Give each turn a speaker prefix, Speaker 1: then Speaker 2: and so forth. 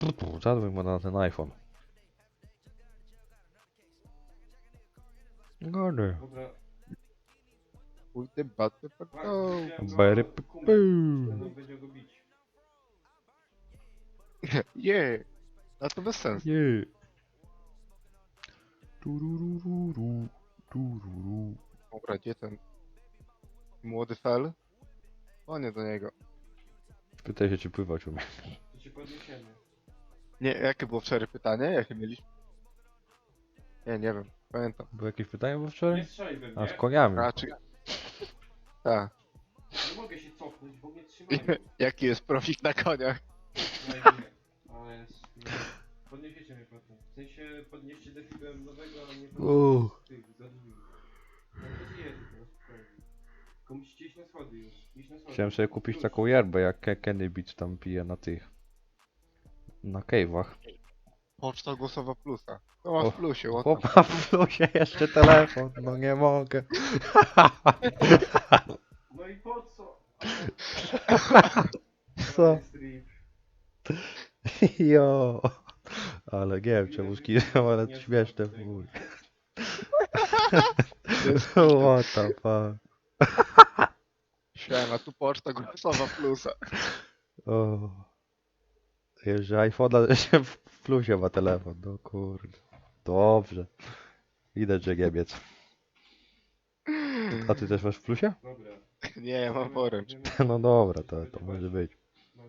Speaker 1: Zadzwoń mu na ten iPhone. Gody.
Speaker 2: Dobra,
Speaker 3: Pójdę, baty, pato.
Speaker 2: widziałem go,
Speaker 1: Bery
Speaker 2: kumpel.
Speaker 1: pu.
Speaker 2: Będą będzie go bić.
Speaker 3: Je. A to bez sensu.
Speaker 1: Nie. Turururu. Tururu.
Speaker 3: Dobra, gdzie ten młody fel? O nie do niego.
Speaker 1: Pytaj się, czy pływać umie.
Speaker 2: To cię podniesiemy.
Speaker 3: Nie, jakie było wczoraj pytanie? Jakie mieliśmy? Nie wiem, pamiętam.
Speaker 1: Było jakieś pytanie było
Speaker 2: Nie
Speaker 1: wczoraj?
Speaker 2: strzelaj we
Speaker 1: A z
Speaker 2: mnie.
Speaker 1: koniami.
Speaker 3: Raczej. Tak.
Speaker 2: Nie mogę się cofnąć, bo mnie trzymają.
Speaker 3: Jaki jest profik na koniach?
Speaker 2: No i nie. Ale jest... nie. Podniesiecie mnie potem. W sensie podnieście defibel nowego, a nie podnieście tych zadłużeń. No to ty jedziesz, no spokojnie. Tylko musicie iść na schody już. Iść na schody.
Speaker 1: Chciałem sobie kupić
Speaker 2: Plus.
Speaker 1: taką yerbę, jak Kenny Beach tam pije na tych... Na cave'ach.
Speaker 3: Poczta głosowa plusa. To ma
Speaker 1: O,
Speaker 3: w plusie, what the
Speaker 1: Chłopa w plusie jeszcze telefon, no nie mogę.
Speaker 2: No i po co?
Speaker 1: Co?
Speaker 2: Ale strip.
Speaker 1: Jo. Ale nie wiem czemu skinąłem, ale to śmieszne w chuj. What the fuck.
Speaker 3: Siema, tu poczta głosowa plusa.
Speaker 1: O. Jeszcze iPhone'a jeszcze w plusie ma telefon, no kurde. Dobrze. Widać, że Niemiec. A ty też masz w plusie?
Speaker 2: Dobra.
Speaker 3: Nie, mam poręcz.
Speaker 2: Idziemy-
Speaker 1: No dobra, to może być.